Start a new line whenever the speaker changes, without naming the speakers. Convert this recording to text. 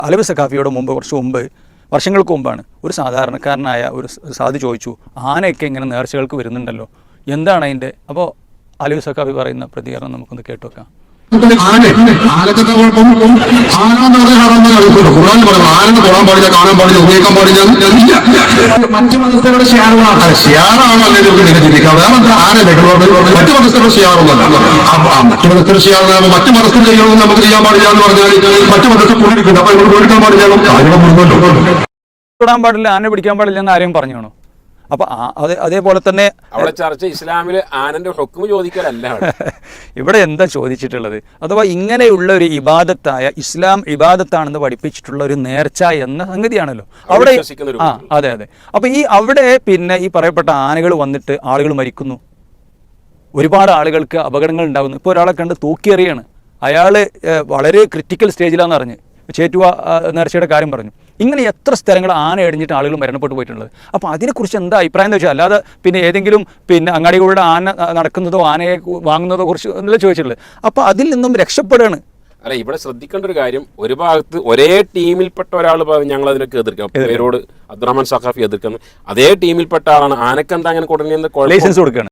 അലവി സഖാഫിയോട് മുമ്പ് കുറച്ച് മുമ്പ് വർഷങ്ങൾക്ക് മുമ്പാണ് ഒരു സാധാരണക്കാരനായ ഒരു സാധു ചോദിച്ചു, ആനയൊക്കെ ഇങ്ങനെ നേർച്ചകൾക്ക് വരുന്നുണ്ടല്ലോ, എന്താണ് അതിൻ്റെ? അപ്പോൾ അലവി സഖാഫി പറയുന്ന പ്രതികരണം നമുക്കൊന്ന് കേട്ടുവെക്കാം.
ആനക്കൊക്കെ കുഴപ്പം ആന ആനന്ന് പോകാൻ പാടില്ല, കാണാൻ പാടില്ല, ഉപയോഗിക്കാൻ പാടില്ല. മറ്റു മതസ്ഥരുടെ ഷിയാറാണ് അല്ലെങ്കിൽ ചിന്തിക്കാം. മറ്റു മതസ്ഥരുടെ ഷിയാറൊന്നല്ല. മറ്റു മതസ്ഥരുടെ ഷിയാറ് മറ്റു മതസ്ഥർ ചെയ്യണമെന്ന് നമുക്ക് ചെയ്യാൻ പാടില്ല എന്ന് പറഞ്ഞാൽ മറ്റു മതസ്ഥർ കൂടിയിട്ടുണ്ട്. അപ്പൊ ഇവിടെ കൊടുക്കാൻ പാടില്ല, കാര്യം
തൊടാൻ പാടില്ല, ആന പിടിക്കാൻ പാടില്ല എന്ന് ആരെയും പറഞ്ഞാണോ? അപ്പൊ അതേപോലെ തന്നെ
അവിടെ ചർച്ച ഇസ്ലാമില് ആനന്റെ ഹുക്മ് ചോദിക്കലല്ല,
ഇവിടെ എന്താ ചോദിച്ചിട്ടുള്ളത്? അഥവാ ഇങ്ങനെയുള്ള ഒരു ഇബാദത്തായ ഇസ്ലാം ഇബാദത്താണെന്ന് പഠിപ്പിച്ചിട്ടുള്ള ഒരു നേർച്ച എന്ന സംഗതിയാണല്ലോ അവിടെ. അതെ. അപ്പൊ അവിടെ പിന്നെ ഈ പറയപ്പെട്ട ആനകൾ വന്നിട്ട് ആളുകൾ മരിക്കുന്നു, ഒരുപാട് ആളുകൾക്ക് അപകടങ്ങൾ ഉണ്ടാകുന്നു. ഇപ്പോൾ ഒരാളെ കണ്ട് തൂക്കിയെറിയാണ്, അയാൾ വളരെ ക്രിട്ടിക്കൽ സ്റ്റേജിലാണെന്ന് അറിഞ്ഞ് ചേറ്റുവ നേർച്ചയുടെ കാര്യം പറഞ്ഞു. ഇങ്ങനെ എത്ര സ്ഥലങ്ങൾ ആന എടിഞ്ഞിട്ട് ആളുകൾ മരണപ്പെട്ടു പോയിട്ടുള്ളത്. അപ്പോൾ അതിനെക്കുറിച്ച് എന്താ അഭിപ്രായം എന്ന് വെച്ചാൽ, അല്ലാതെ പിന്നെ ഏതെങ്കിലും പിന്നെ അങ്ങാടികളുടെ ആന നടക്കുന്നതോ ആനയെ വാങ്ങുന്നതോ കുറിച്ച് എന്നല്ല ചോദിച്ചിട്ടുള്ളത്. അപ്പോൾ അതിൽ നിന്നും രക്ഷപ്പെടുകയാണ്.
അല്ല, ഇവിടെ ശ്രദ്ധിക്കേണ്ട ഒരു കാര്യം, ഒരു ഭാഗത്ത് ഒരേ ടീമിൽപ്പെട്ട ഒരാൾ ഞങ്ങൾ അതിനൊക്കെ എതിർക്കാം, പേരോട് അബ്ദുറഹ്മാൻ സഖാഫി എതിർക്കുന്നു, അതേ ടീമിൽപ്പെട്ട ആളാണ് ആനക്കെന്താ അങ്ങനെ കൊടുക്കുന്ന
ലൈസൻസ് കൊടുക്കുകയാണ്.